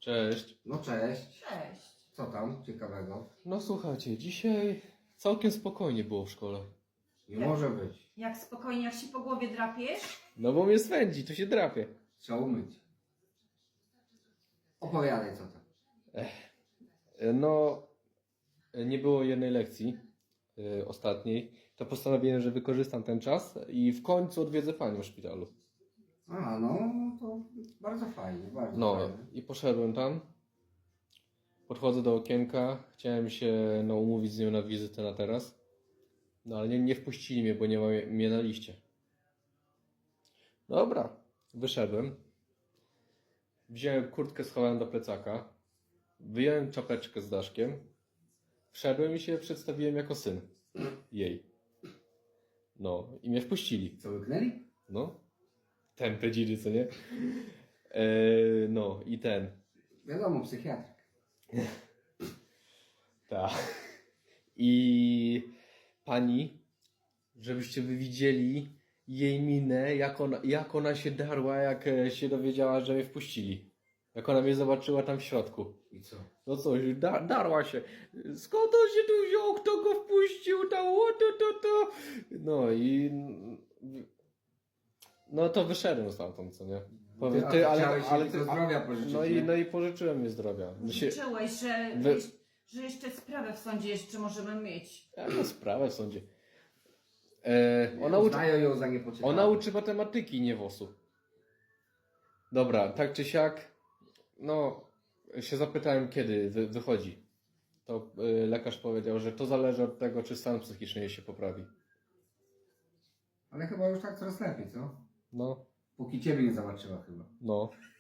Cześć. No cześć. Cześć. Co tam ciekawego? No słuchajcie, dzisiaj całkiem spokojnie było w szkole. Nie może być. Jak spokojnie, jak się po głowie drapiesz? No bo mnie swędzi, to się drapie. Trzeba umyć. Opowiadaj co tam. No, nie było jednej lekcji ostatniej. To postanowiłem, że wykorzystam ten czas i w końcu odwiedzę panią w szpitalu. A, no to bardzo fajnie, bardzo No fajnie. i poszedłem tam. Podchodzę do okienka. Chciałem się umówić z nią na wizytę na teraz. No ale nie wpuścili mnie, bo nie ma mnie na liście. Dobra, wyszedłem. Wziąłem kurtkę, schowałem do plecaka. Wyjąłem czapeczkę z daszkiem. Wszedłem i się przedstawiłem jako syn jej. No i mnie wpuścili. Co, łyknęli? No. Tępe dzidy, co nie? No i ten. Wiadomo, psychiatryk. Tak. I pani, żebyście wy widzieli jej minę, jak ona się darła, jak się dowiedziała, że mnie wpuścili. Jak ona mnie zobaczyła tam w środku. I co? No coś, darła się. Skąd on się tu wziął? Kto go wpuścił? Tam, to. No i... No to wyszedłem stamtąd, co nie? Ty, chciałeś ale tylko zdrowia pożyczyć, nie? no i pożyczyłem mi zdrowia. Życzyłeś, że, Wy- że jeszcze sprawę w sądzie jeszcze możemy mieć. Jaka sprawę w sądzie. Uznają ją za niepoczytalną. Ona uczy matematyki, nie WOS-u. Dobra, tak czy siak, no, się zapytałem, kiedy wychodzi. To lekarz powiedział, że to zależy od tego, czy stan psychiczny jej się poprawi. Ale chyba już tak coraz lepiej, co? No, Póki ciebie nie zobaczyła chyba. no.